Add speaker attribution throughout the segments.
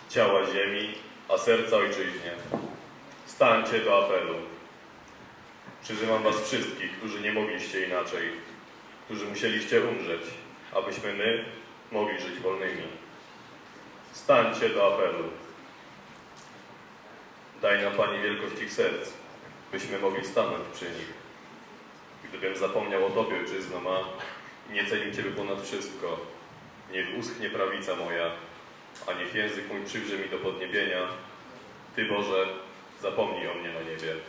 Speaker 1: ciała ziemi, a serca ojczyźnie. Stańcie do apelu. Przyzywam was wszystkich, którzy nie mogliście inaczej, którzy musieliście umrzeć, abyśmy my mogli żyć wolnymi. Stańcie do apelu. Daj nam, Pani, wielkość ich serc, byśmy mogli stanąć przy nich. Gdybym zapomniał o Tobie, ojczyzno ma, i nie cenił Ciebie ponad wszystko, niech uschnie prawica moja, a niech język mój przywrze mi do podniebienia. Ty, Boże, zapomnij o mnie na niebie.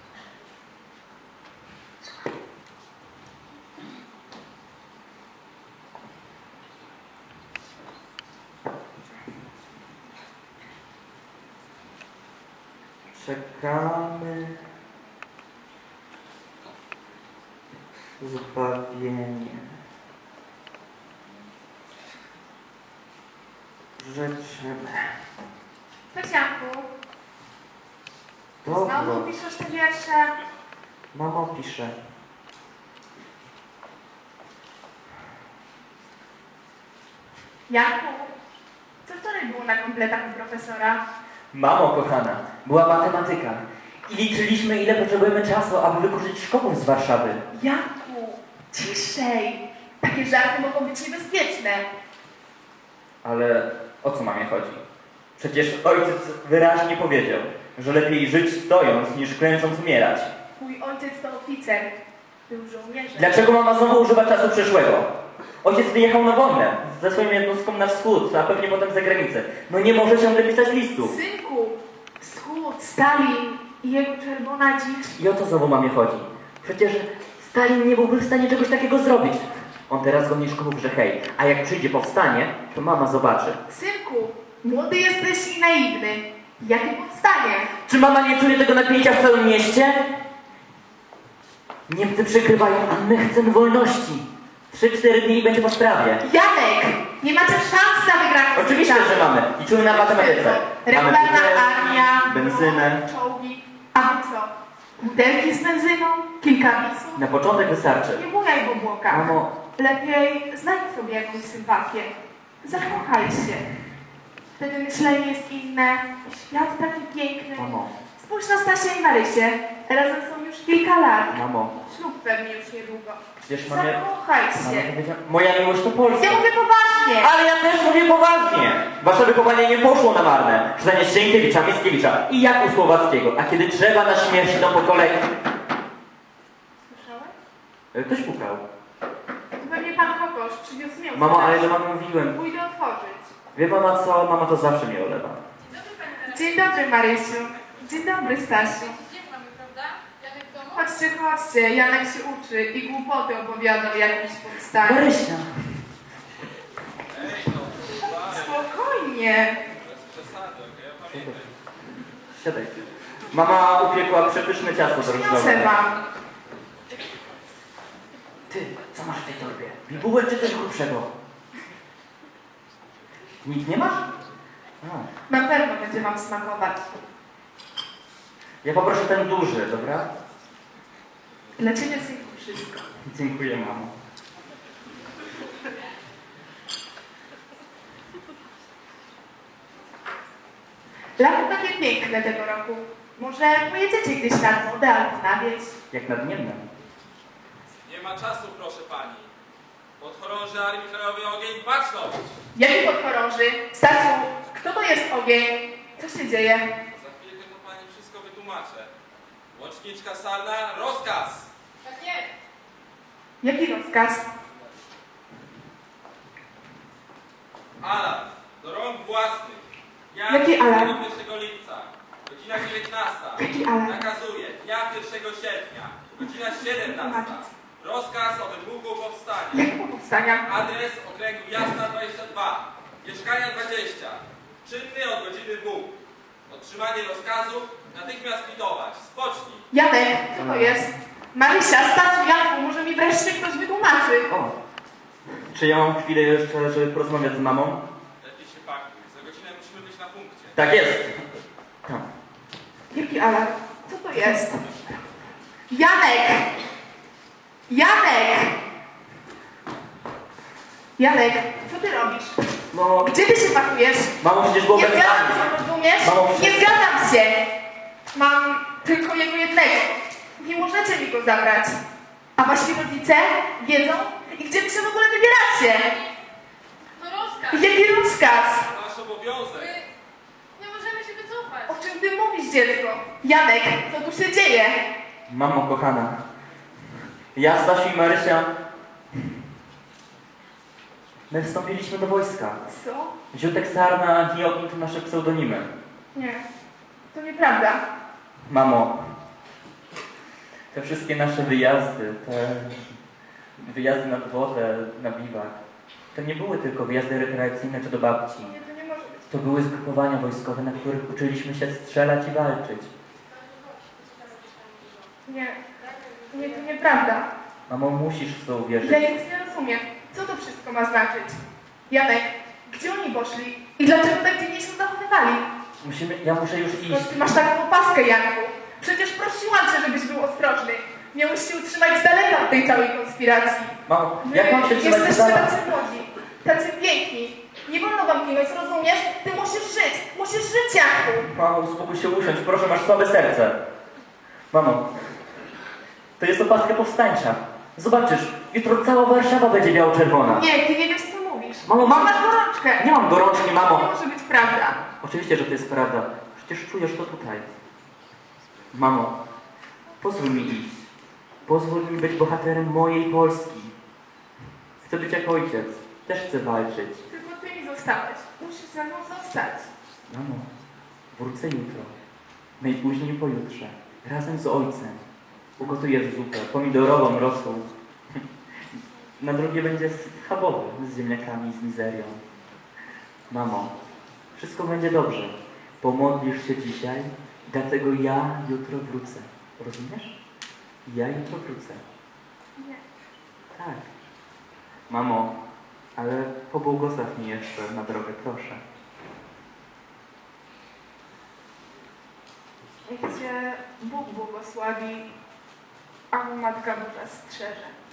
Speaker 2: Czekamy zbawienie. Życzymy.
Speaker 3: Tosianku,
Speaker 2: Dobro.
Speaker 3: znowu piszesz te wiersze?
Speaker 2: Mamo pisze.
Speaker 3: Janku, co wczoraj było na kompletach u profesora?
Speaker 4: Mamo kochana, była matematyka i liczyliśmy, ile potrzebujemy czasu, aby wykurzyć szkołę z Warszawy.
Speaker 3: Janku, ciszej! Takie żarty mogą być niebezpieczne.
Speaker 4: Ale o co mamie chodzi? Przecież ojciec wyraźnie powiedział, że lepiej żyć stojąc, niż klęcząc umierać.
Speaker 3: Mój ojciec to oficer. Był żołnierzem.
Speaker 4: Dlaczego mama znowu używa czasu przeszłego? Ojciec wyjechał na wojnę ze swoją jednostką na wschód, a pewnie potem za granicę. No nie może ciągle pisać listów.
Speaker 3: Synku, Wschód, Stalin i jego czerwona dzicz.
Speaker 4: I o co znowu mamie chodzi? Przecież Stalin nie byłby w stanie czegoś takiego zrobić. On teraz go nie szkodził, że hej, a jak przyjdzie powstanie, to mama zobaczy.
Speaker 3: Synku, młody jesteś i naiwny. Jakie powstanie?
Speaker 4: Czy mama nie czuje tego napięcia w całym mieście? Niemcy przykrywają, a my chcemy wolności. 3-4 dni i będzie po sprawie.
Speaker 3: Janek, nie macie szans na wygraną.
Speaker 4: Oczywiście, że mamy. Liczymy na matematyce.
Speaker 3: Regularna
Speaker 4: Mamy
Speaker 3: armia,
Speaker 4: benzynę.
Speaker 3: czołgi. A wy co? Butelki z benzyną? Kilka bisów?
Speaker 4: Na początek wystarczy.
Speaker 3: Nie bujaj w obłokach.
Speaker 4: Mamo,
Speaker 3: Lepiej znajdź sobie jakąś sympatię. Zakochaj się. Wtedy myślenie jest inne. Świat taki piękny.
Speaker 4: mamo,
Speaker 3: Spójrz na Stasię i Marysię. Razem są już kilka lat.
Speaker 4: mamo.
Speaker 3: Ślub pewnie już niedługo.
Speaker 4: Przecież mamie...
Speaker 3: Zakochaj
Speaker 4: Mama
Speaker 3: się.
Speaker 4: powiedziała, moja miłość to Polska.
Speaker 3: Ja mówię poważnie.
Speaker 4: Ale ja też mówię poważnie. Wasze wychowanie nie poszło na marne. Czytanie Sienkiewicza, Mickiewicza i Jaku Słowackiego. A kiedy trzeba na śmierć, to po kolei...
Speaker 3: Słyszałeś?
Speaker 4: Ktoś pukał.
Speaker 3: To pewnie pan Kokosz przywiózł mięso.
Speaker 4: Mamo, ale do mamy mówiłem.
Speaker 3: Pójdę otworzyć.
Speaker 4: Wie mama co? Mama to zawsze mnie olewa.
Speaker 3: Dzień dobry, Marysiu. Dzień dobry, Stasiu.
Speaker 5: Gdzie mamy, prawda? Janek w domu?
Speaker 3: Chodźcie, chodźcie. Janek się uczy i głupoty opowiada o jakimś powstaniu.
Speaker 4: Marysia.
Speaker 3: Spokojnie.
Speaker 4: Siadaj. Mama upiekła przepyszne ciasto
Speaker 3: Przyniosę
Speaker 4: drożdżowe.
Speaker 3: wam.
Speaker 4: Ty, co masz w tej torbie? Bibułek czy coś grubszego? Nic nie masz? A.
Speaker 3: Na pewno będzie wam smakować.
Speaker 4: Ja poproszę ten duży, dobra?
Speaker 3: Dla ciebie, synku, wszystko.
Speaker 4: Dziękuję, mamo.
Speaker 3: Lato takie piękne tego roku. Może pojedziecie gdzieś nad wodę albo na wieś?
Speaker 4: Jak nadmienne.
Speaker 6: Nie ma czasu, proszę pani. Podchorąży Armii Krajowej ogień, baczność!
Speaker 3: Jaki podchorąży? Stasiu, kto to jest ogień? Co się dzieje?
Speaker 6: Za chwilkę to pani wszystko wytłumaczę. Łączniczka salna, rozkaz!
Speaker 5: Tak jest.
Speaker 3: Jaki rozkaz?
Speaker 6: Alarm do rąk własnych. Ja
Speaker 3: Jaki alarm?
Speaker 6: 1 lipca, godzina 19.
Speaker 3: Jaki alarm?
Speaker 6: Nakazuję, dnia 1 sierpnia, godzina 17. Rozkaz o wybuchu powstania.
Speaker 3: Jakiego powstania?
Speaker 6: Adres okręgu Jasna 22, mieszkania 20. Czynny od godziny 2. Otrzymanie rozkazu natychmiast kwitować. Spocznij.
Speaker 3: Janek, co to jest? Marysia, Stasiu, Janku, może mi wreszcie ktoś wytłumaczy.
Speaker 4: O. Czy ja mam chwilę jeszcze, żeby porozmawiać z mamą?
Speaker 6: Lepiej się pakuj. Za godzinę musimy być na punkcie.
Speaker 4: Tak jest. Tam.
Speaker 3: Jaki alarm? Co to jest? Janek! Janek! Janek, co ty robisz?
Speaker 4: No,
Speaker 3: Gdzie ty się pakujesz?
Speaker 4: mamo, przecież było
Speaker 3: Nie
Speaker 4: bez
Speaker 3: zgadzam
Speaker 4: pani.
Speaker 3: się, rozumiesz?
Speaker 4: Mamo,
Speaker 3: Nie
Speaker 4: przecież-
Speaker 3: zgadzam się! Mam tylko jego jednego. Nie możecie mi go zabrać. A wasi rodzice wiedzą? I gdzie wy się w ogóle wybieracie?
Speaker 5: To rozkaz.
Speaker 3: Jaki rozkaz?
Speaker 6: Nasz obowiązek.
Speaker 5: Nie możemy się wycofać.
Speaker 3: O czym ty mówisz, dziecko? Janek, co tu się dzieje?
Speaker 4: Mamo kochana, ja, Stasiu i Marysia, my wstąpiliśmy do wojska.
Speaker 3: Co?
Speaker 4: Ziutek, Sarna i Ogień to nasze pseudonimy.
Speaker 3: Nie, to nieprawda.
Speaker 4: Mamo, te wszystkie nasze wyjazdy, te wyjazdy na dworze, na biwak, to nie były tylko wyjazdy rekreacyjne czy do babci.
Speaker 3: Nie, to nie może być.
Speaker 4: To były zgrupowania wojskowe, na których uczyliśmy się strzelać i walczyć.
Speaker 3: Nie, nie, to nieprawda.
Speaker 4: Mamo, musisz w to uwierzyć.
Speaker 3: Ja nic nie rozumiem. Co to wszystko ma znaczyć? Janek, gdzie oni poszli? I dlaczego tak dziwnie się zachowywali?
Speaker 4: Ja muszę już iść.
Speaker 3: Skąd ty masz taką opaskę, Janku? Przecież prosiłam cię, żebyś był ostrożny. Miałeś się utrzymać z daleka od tej całej konspiracji.
Speaker 4: Mamo,
Speaker 3: Wy
Speaker 4: jak mam się trzymać
Speaker 3: jesteście
Speaker 4: za
Speaker 3: tacy młodzi, tacy piękni. Nie wolno wam ginąć, rozumiesz? Ty musisz żyć, Janku.
Speaker 4: Mamo, uspokój się, usiądź, proszę, masz słabe serce. Mamo, to jest opaska powstańcza. Zobaczysz, jutro cała Warszawa będzie biało-czerwona.
Speaker 3: Nie, ty nie wiesz, co mówisz.
Speaker 4: Mamo,
Speaker 3: Masz gorączkę.
Speaker 4: Nie mam gorączki,
Speaker 3: To
Speaker 4: mamo.
Speaker 3: nie może być prawda.
Speaker 4: Oczywiście, że to jest prawda. Przecież czujesz to tutaj. Mamo, pozwól mi iść. Pozwól mi być bohaterem mojej Polski. Chcę być jak ojciec. Też chcę walczyć.
Speaker 3: Tylko ty mi zostałeś. Musisz ze mną zostać.
Speaker 4: Mamo, wrócę jutro. Najpóźniej pojutrze. Razem z ojcem. Ugotuję zupę pomidorową, rosół. Na drugie będzie schabowy z ziemniakami, z mizerią. Mamo, wszystko będzie dobrze. Pomodlisz się dzisiaj, dlatego ja jutro wrócę. Rozumiesz? Ja jutro wrócę.
Speaker 3: Nie.
Speaker 4: Tak. Mamo, ale pobłogosław mi jeszcze na drogę, proszę.
Speaker 3: Niech cię Bóg błogosławi, a Matka Boża strzeże.